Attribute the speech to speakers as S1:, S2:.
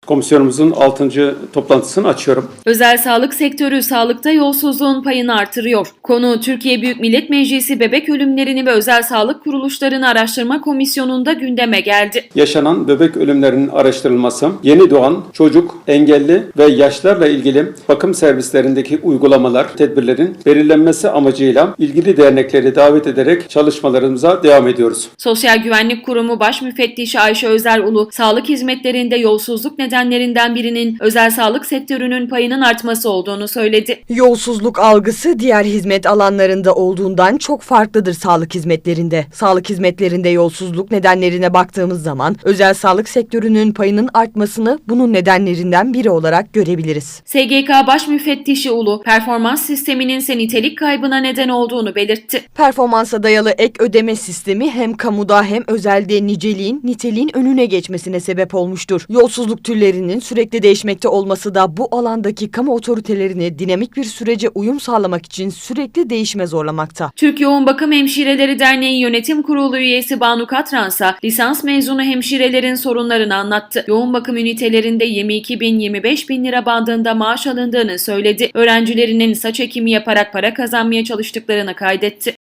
S1: Komisyonumuzun 6. toplantısını açıyorum.
S2: Özel sağlık sektörü sağlıkta yolsuzluğun payını artırıyor. Konu Türkiye Büyük Millet Meclisi Bebek Ölümlerini ve Özel Sağlık Kuruluşlarını Araştırma Komisyonu'nda gündeme geldi.
S1: Yaşanan bebek ölümlerinin araştırılması, yeni doğan çocuk, engelli ve yaşlarla ilgili bakım servislerindeki uygulamalar, tedbirlerin belirlenmesi amacıyla ilgili dernekleri davet ederek çalışmalarımıza devam ediyoruz.
S2: Sosyal Güvenlik Kurumu Baş Müfettişi Ayşe Özerulu, sağlık hizmetlerinde yolsuzluk nedenlerinden birinin özel sağlık sektörünün payının artması olduğunu söyledi.
S3: Yolsuzluk algısı diğer hizmet alanlarında olduğundan çok farklıdır sağlık hizmetlerinde. Sağlık hizmetlerinde yolsuzluk nedenlerine baktığımız zaman özel sağlık sektörünün payının artmasını bunun nedenlerinden biri olarak görebiliriz.
S2: SGK Baş Müfettişi Ulu, performans sisteminin ise nitelik kaybına neden olduğunu belirtti.
S3: Performansa dayalı ek ödeme sistemi hem kamuda hem özelde niceliğin, niteliğin önüne geçmesine sebep olmuştur. Yolsuzluk türlerinin sürekli değişmekte olması da bu alandaki kamu otoritelerini dinamik bir sürece uyum sağlamak için sürekli değişime zorlamakta.
S2: Türk Yoğun Bakım Hemşireleri Derneği Yönetim Kurulu üyesi Banu Katransa, lisans mezunu hemşirelerin sorunlarını anlattı. Yoğun bakım ünitelerinde 22 bin, 25 bin lira bandında maaş alındığını söyledi. Öğrencilerinin saç ekimi yaparak para kazanmaya çalıştıklarını kaydetti.